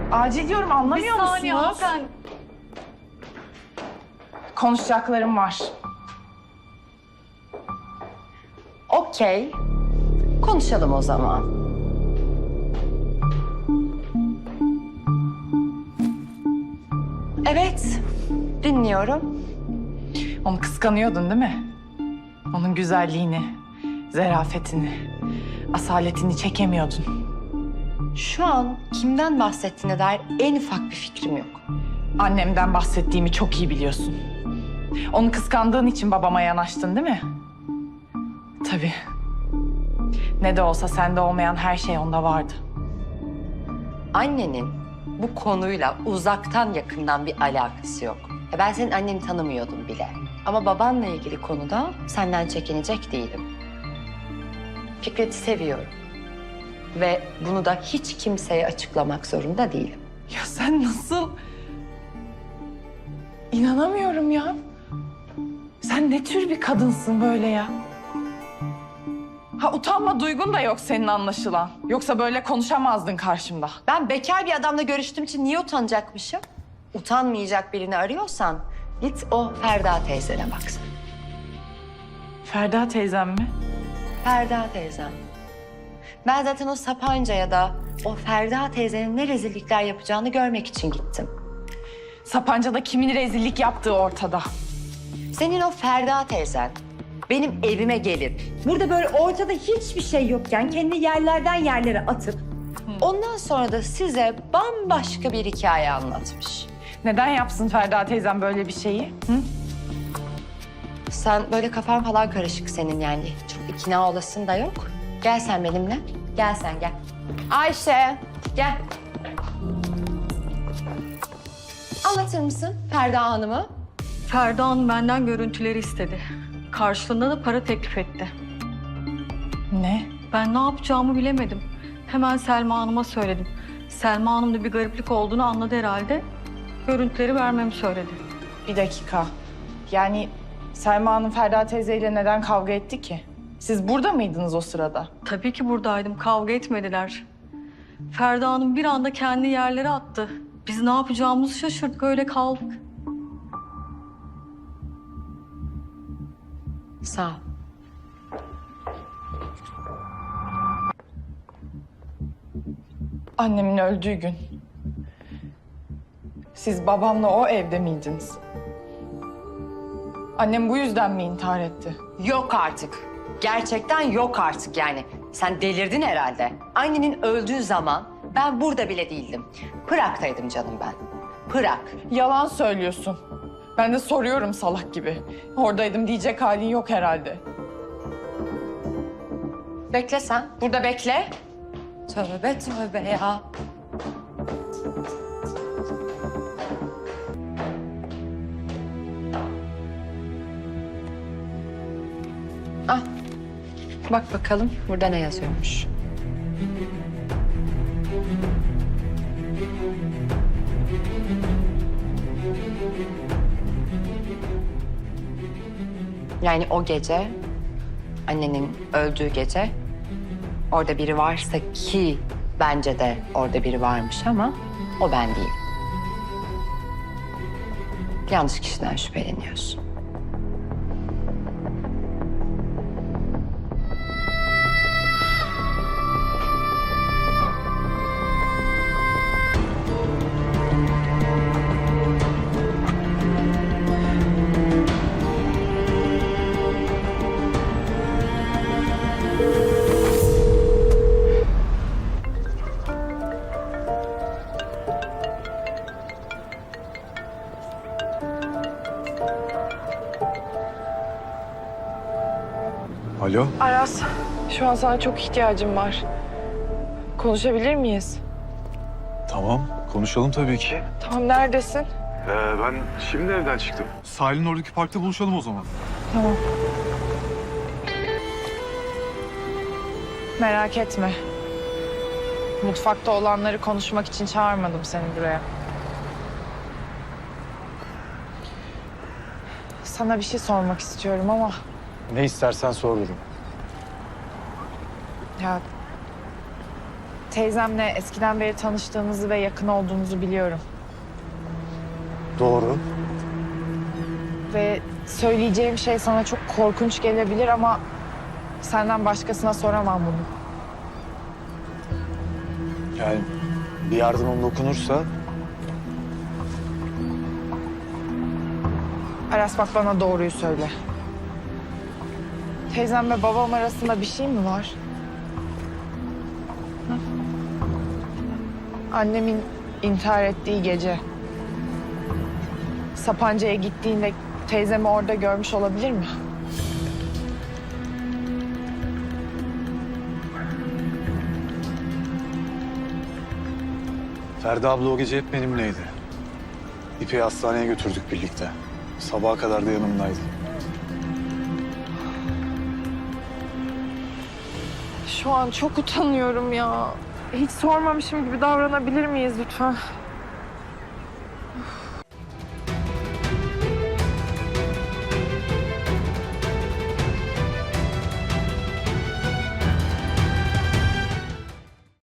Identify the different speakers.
Speaker 1: Acil diyorum, anlamıyor
Speaker 2: Bir saniye
Speaker 1: musunuz?
Speaker 2: hanımefendi.
Speaker 1: Konuşacaklarım var.
Speaker 3: Okey. Konuşalım o zaman. Evet. Dinliyorum.
Speaker 1: Onu kıskanıyordun değil mi? Onun güzelliğini, zarafetini, asaletini çekemiyordun.
Speaker 3: Şu an kimden bahsettiğine dair en ufak bir fikrim yok.
Speaker 1: Annemden bahsettiğimi çok iyi biliyorsun. Onu kıskandığın için babama yanaştın değil mi? Tabii. Ne de olsa sende olmayan her şey onda vardı.
Speaker 3: Annenin bu konuyla uzaktan yakından bir alakası yok. Ben senin anneni tanımıyordum bile. Ama babanla ilgili konuda senden çekinecek değilim. Fikret'i seviyorum. Ve bunu da hiç kimseye açıklamak zorunda değilim.
Speaker 1: Ya sen nasıl... İnanamıyorum ya. Sen ne tür bir kadınsın böyle ya? Ha, utanma duygun da yok senin anlaşılan. Yoksa böyle konuşamazdın karşımda.
Speaker 3: Ben bekar bir adamla görüştüğüm için niye utanacakmışım? Utanmayacak birini arıyorsan git o Ferda teyzene baksana.
Speaker 1: Ferda teyzem mi?
Speaker 3: Ferda teyzem. Ben zaten o Sapanca'ya da o Ferda teyzenin ne rezillikler yapacağını görmek için gittim.
Speaker 1: Sapanca'da kimin rezillik yaptığı ortada.
Speaker 3: Senin o Ferda teyzen benim evime gelip burada böyle ortada hiçbir şey yokken kendi yerlerden yerlere atıp ondan sonra da size bambaşka bir hikaye anlatmış.
Speaker 1: Neden yapsın Ferda teyzem böyle bir şeyi? Hı?
Speaker 3: Sen böyle kafan falan karışık senin yani. Çok ikna olasın da yok. Gel sen benimle. Gel sen gel. Ayşe gel. Anlatır mısın Ferda Hanım'ı?
Speaker 2: Ferda Hanım benden görüntüleri istedi. Karşılığında da para teklif etti.
Speaker 1: Ne?
Speaker 2: Ben ne yapacağımı bilemedim. Hemen Selma Hanım'a söyledim. Selma Hanım da bir gariplik olduğunu anladı herhalde. Görüntüleri vermemi söyledi.
Speaker 1: Bir dakika. Yani Selma Hanım Ferda teyzeyle neden kavga etti ki? Siz burada mıydınız o sırada?
Speaker 2: Tabii ki buradaydım. Kavga etmediler. Ferda Hanım bir anda kendi yerlere attı. Biz ne yapacağımızı şaşırdık. Öyle kaldık.
Speaker 3: Sağ ol.
Speaker 1: Annemin öldüğü gün. Siz babamla o evde miydiniz? Annem bu yüzden mi intihar etti?
Speaker 3: Yok artık. Gerçekten yok artık yani. Sen delirdin herhalde. Annenin öldüğü zaman ben burada bile değildim. Prag'daydım canım ben. Prag.
Speaker 1: Yalan söylüyorsun. Ben de soruyorum salak gibi. Oradaydım diyecek halin yok herhalde.
Speaker 3: Bekle sen. Burada bekle. Tövbe tövbe ya. Ah. Bak bakalım burada ne yazıyormuş. Yani o gece, annenin öldüğü gece orada biri varsa ki bence de orada biri varmış ama o ben değilim. Yanlış kişiden şüpheleniyorsun.
Speaker 4: Alo,
Speaker 1: Aras, şu an sana çok ihtiyacım var. Konuşabilir miyiz?
Speaker 4: tamam. Konuşalım tabii ki.
Speaker 1: Tamam, neredesin?
Speaker 4: Ben şimdi evden çıktım. Sahilin oradaki parkta buluşalım o zaman.
Speaker 1: Tamam. Merak etme. Mutfakta olanları konuşmak için çağırmadım seni buraya. Sana bir şey sormak istiyorum ama...
Speaker 4: Ne istersen sor durum.
Speaker 1: Ya teyzemle eskiden beri tanıştığınızı ve yakın olduğunuzu biliyorum.
Speaker 4: Doğru.
Speaker 1: Ve söyleyeceğim şey sana çok korkunç gelebilir ama senden başkasına soramam bunu.
Speaker 4: Yani bir yardımım dokunursa
Speaker 1: Aras bak bana doğruyu söyle. Teyzemle babam arasında bir şey mi var? Hı? Annemin intihar ettiği gece Sapanca'ya gittiğinde teyzemi orada görmüş olabilir mi?
Speaker 4: Ferdi abla o gece hep benimleydi. İpek'i hastaneye götürdük birlikte. Sabaha kadar da yanımdaydı.
Speaker 1: Şu an çok utanıyorum ya. Hiç sormamışım gibi davranabilir miyiz lütfen?